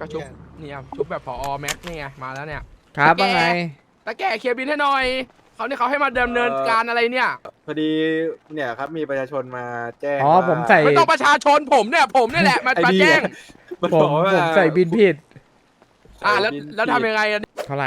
ก็ชุบเนี่ยชุบแบบผอแม็กนี่ไงมาแล้วเนี่ยครับว่าไงตะแก่เคลียร์บินให้หน่อยเขาให้มาดำเนินการอะไรเนี่ยพอดีเนี่ยครับมีประชาชนมาแจ้งอ๋อว่าผมใส่ไม่ต้องประชาชนผมเนี่ยแหละมาไอ้นี่แจ้งมันผบมอกว่าผมใส่บินผิดแล้วบินแล้วทำยังไงอะเท่าไหร่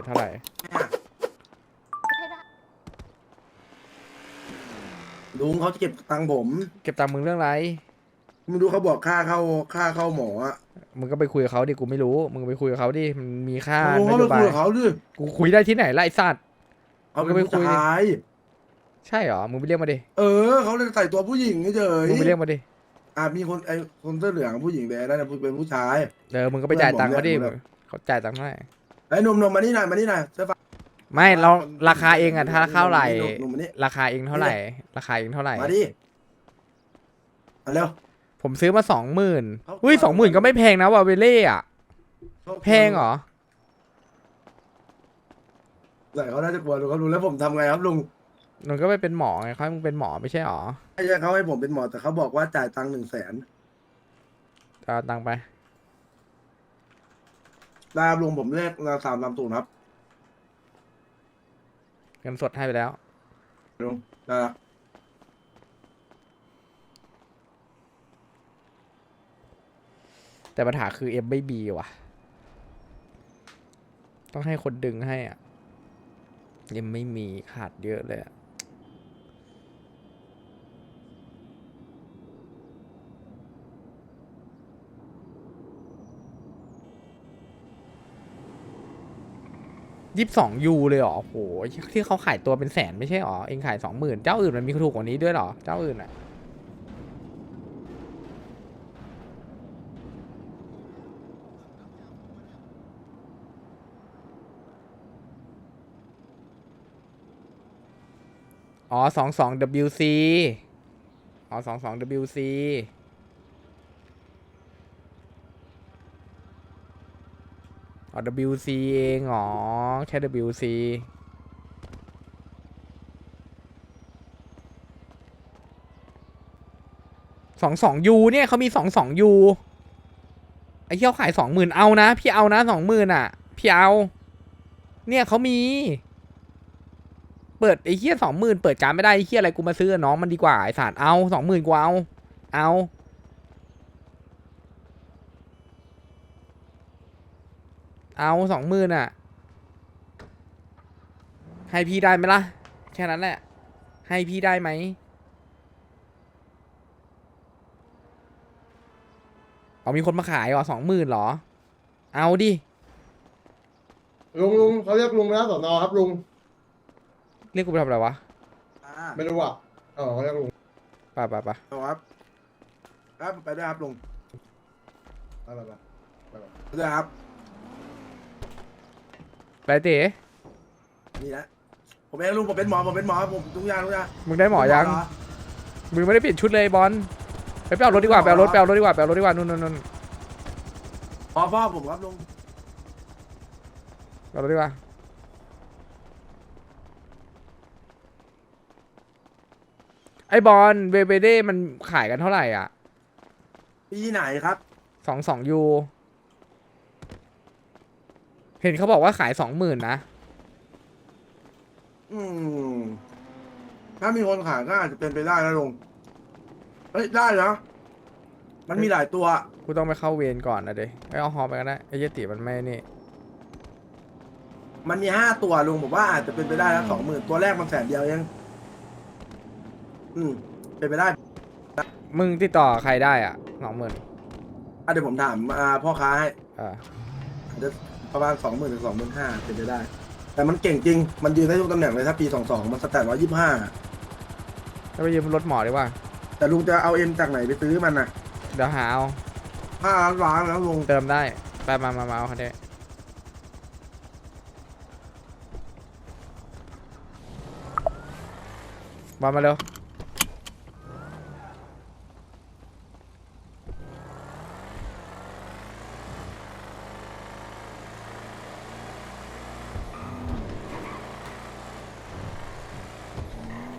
ลุงเขาจะเก็บตังค์ผมเก็บตังค์มึงเรื่องไรไม่รู้เขาบอกค่าเข้าหมออะมึงก็ไปคุยกับเขาดิ กูไม่รู้ มึงไปคุยกับเขาดิ มันมีค่าลุงนเขาโยไปบาคุยยกับเขาดิกูคุยได้ที่ไหนล่ะไอ้สัตว์เขามึเป็งนก็ไปคุผู้ยดิชายใช่เหรอ มึงไปเรียกมาดิเขาเลยใส่ตัวผู้หญิงเฉยมึงไปเรียกมาดิมีคนเสื้อเหลืองผู้หญิงแต่นั่นนะเป็นผู้ชายมึงก็ไปจ่ายตังค์เขาดิเพื่อนผมเนี่ยเขาจ่ายตังค์เท่าไหร่ไอ้หนุ่มมานี่หน่อยเสื้อฟ้าไม่เราราคาเองอะถ้าเท่าไหร่หนุ่มมานี่ราคาเองเท่าไหร่ ราคาเองเท่าไหร่มาดิมาเร็วผมซื้อมา20,000 เขาอุ้ย20,000ก็ไม่แพงนะวาเวเล่อะแพงเหรอใส่เขาน่าจะกลัวลุงเขารู้แล้วผมทำไงครับลุงมึงก็ไปเป็นหมอไงเขาให้มึงเป็นหมอไม่ใช่หรอไม่ใช่เขาให้ผมเป็นหมอแต่เขาบอกว่าจ่ายตังค์100,000 เอาตังค์ไปดาบลุงผมเลข330ครับเงินสดให้ไปแล้วลุงได้ละแต่ปัญหาคือเอ็มไม่บีว่ะ ต้องให้คนดึงให้อ่ะเอ็มไม่มีขาดเยอะเลยอ่ะ22 ยูเลยเหรอโหที่เขาขายตัวเป็นแสนไม่ใช่หรอ เองขาย20,000เจ้าอื่นมันมีถูกกว่านี้ด้วยเหรอ เจ้าอื่นอ่ะอ๋อ22 WC อ๋อ22 WC อ๋อ WC เองอ๋อแค่ WC 22 ยูเนี่ยเขามี22 ยูไอ้เหี้ยเขาขาย20,000เอานะพี่เอานะ20,000อ่ะพี่เอาเนี่ยเขามีเปิดไอ้เหี้ย20,000เปิดการไม่ได้ไอ้เหี้ยอะไรกูมาซื้อกับน้องมันดีกว่าไอ้สารเอา20,000กูเอา20,000อ่ะให้พี่ได้ไหมล่ะแค่นั้นแหละให้พี่ได้ไหมเอามีคนมาขายเหรอ20,000เหรอเอาดิลุงเขาเรียกลุงนะสอนอครับลุงเรียกกูไปทำอะไรวะไม่รู้อ่ะเขาเรียกลุงไปเอาครับครับไปด้วยครับลุงอะไรไปไปด้วยครับไปเต๋นี่นะผมเองลุงผมเป็นหมอผมทุกอย่างมึงได้หมอยังเหรอมึงไม่ได้เปลี่ยนชุดเลยบอลไปเอารถดีกว่าไปเอารถดีกว่านู่นพ่อผมครับลุงเอารถดีกว่าไอ้บอลเวเด้มันขายกันเท่าไหร่อ่ะปีไหนครับ 22 ยูเห็นเขาบอกว่าขาย 20,000นะถ้ามีคนขายก็อาจจะเป็นไปได้นะลุงเฮ้ยได้นะมันมีหลายตัวกูต้องไปเข้าเวรก่อนนะเดี๋ยวไม่เอาฮอไปกันได้ไอ้เหี้ยติมันไม่นี่มันมี5 ตัวลุงผมว่าอาจจะเป็นไปได้นะ20,000ตัวแรกมัน100,000เดียวเองเป็นไปได้มึงติดต่อใครได้อ่ะ20,000 เดี๋ยวผมถามพ่อค้าให้อ่าอาจจะประมาณ20,000 ถึง 25,000เป็นไปได้ แต่มันเก่งจริงมันยืนได้ทุกตำแหน่งเลยถ้าปี22มันสแตท125 แล้วไปยืมรถหมอดีกว่าแต่ลุงจะเอาเอ็มจากไหนไปซื้อมันน่ะเดี๋ยวหาเอา 5 ล้านแล้วลุงเติมได้ไปมาเอาคันนี้บอลมาเร็ว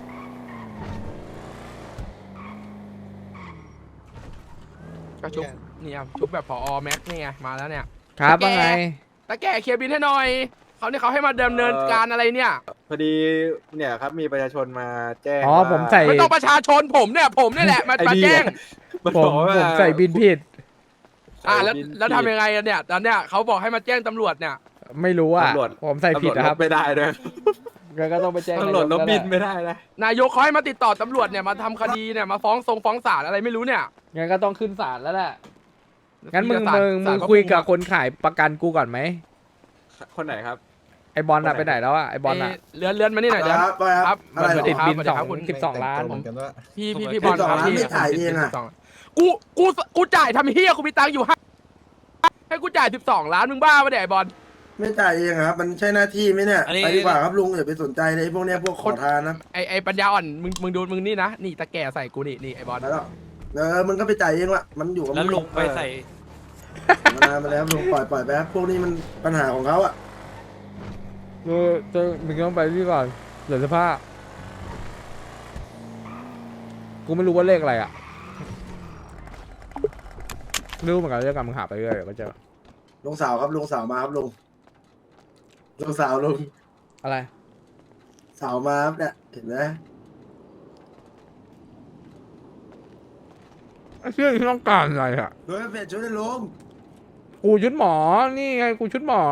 ก็ชุบเนี่ยชุบแบบผอแม็กนี่ไงมาแล้วเนี่ยครับว่าไงตาแก่เคลียร์บินให้หน่อยเขาให้มาดำเนินการอะไรเนี่ยพอดีเนี่ยครับมีประชาชนมาแจ้งอ๋อว่าผมใส่ไม่ต้องประชาชนผมเนี่ยแหละมาไอ้มานี่แจ้งมันผบมอกว่าผมใส่บินผิดแล้วบินแล้วทำยังไงอะเนี่ยตอนเนี้ยเขาบอกให้มาแจ้งตำรวจเนี่ยไม่รู้อ่ะตำรวจผมใส่ผิดตำวจนะครับลไม่ได้ด้วยงั้นก็ต้องไปแจ้งตำรวจลบนายกบินแหละไม่ได้นะนายกเขาให้มาติดต่อตำรวจเนี่ยมาทำคดีเนี่ยมาฟ้องศาลอะไรไม่รู้เนี่ยงั้นก็ต้องขึ้นศาลแล้วแหละงั้นศาลมึงเขาคุยกับคุมอะคนขายประกันกูก่อนไหมคนไหนครับไอบอลอะคนไหนไปไหนแล้วอะไอบอลอะเลื่อนมานี่หน่อยเดี๋ยวครับไปคครัรับ บอะไรสวัสเหรดีอครับบินสวัสดีครับคุณ 12 ล้านพี่บอลครับ 12 พี่ไม่จ่ายเองอะ 12กูจ่ายทำเฮียกูมีตังค์อยู่ให้กูจ่าย12 ล้านมึงบ้าปะเนี่ยไอ้บอลไม่จ่ายเองครับ มันใช่หน้าที่ไหมเนี่ยอันนี้ไปดีกว่าครับลุงอย่าไปสนใจเลยพวกเนี้ยพวกขอทานนะไอปัญญาอ่อนมึงดูมึงนี่นะนี่ตะแก่ใส่กูนี่ไอ้บอลแล้วมึงก็ไปจ่ายเองละมันอยู่กับแล้วลุงไปใส่มานานมาแล้วลุงปล่อยไปครับพวกนี้มันปัญหาของเขาอะมึงต้องไปที่ก่อนเหลือเสื้อผ้ากูไม่รู้ว่าเลขอะไรอะไม่รู้เหมือนกันเรื่องการมึงหาไปเรื่อยเดี๋ยวก็เจอลุงสาวครับลุงสาวมาครับลุงสาวลุงอะไรสาวมาครับเนี่ยเห็นไหมเชื่อที่ต้องการอะไรอะโดยเปลี่ยนชุดให้ลุงกูชุดหมอนี่ไงกูชุดหมอ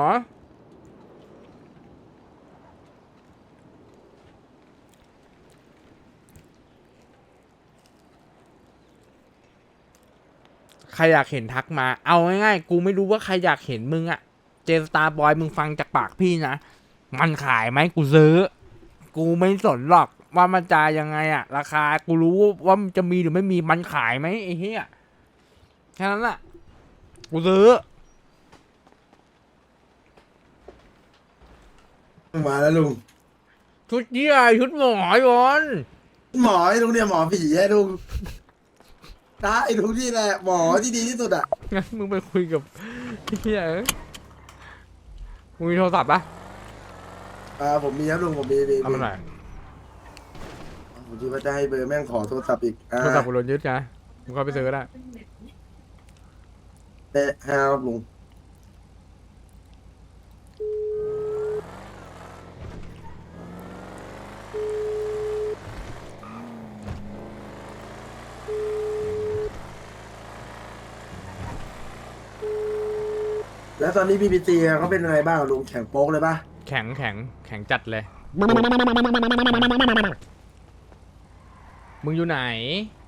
ใครอยากเห็นทักมา เอาง่ายๆ กูไม่รู้ว่าใครอยากเห็นมึงอะเจสตาร์บอยมึงฟังจากปากพี่นะ มันขายไหมกูซื้อ กูไม่สนหรอกว่ามันจะยังไงอะราคา กูรู้ว่ามันจะมีหรือไม่มี มันขายไหมไอ้เหี้ยแค่นั้นแหละกูซื้อมาแล้วลุงชุดเยี่ยชุดหมอยอนหมอไอ้ลุงเนี่ยหมอผีไอ้ลุงนะไอ้ลุงนี่แหละหมอที่ดีที่สุดอะงั้นมึงไปคุยกับเฮียเอ้ยมึงมีโทรศัพท์ปะผมมีครับลุงผมมีเอามาหน่อยผมคิดว่าจะให้เบอร์แม่งขอโทรศัพท์อีกโทรศัพท์กูโดนยึดไงมึงเข้าไปซื้อก็ได้แต่ครับลุงแล้วตอนนี้ BBC เขาเป็นยังไงบ้างลุงแข่งโป๊กเลยปะแข็งจัดเลย มึงอยู่ไหน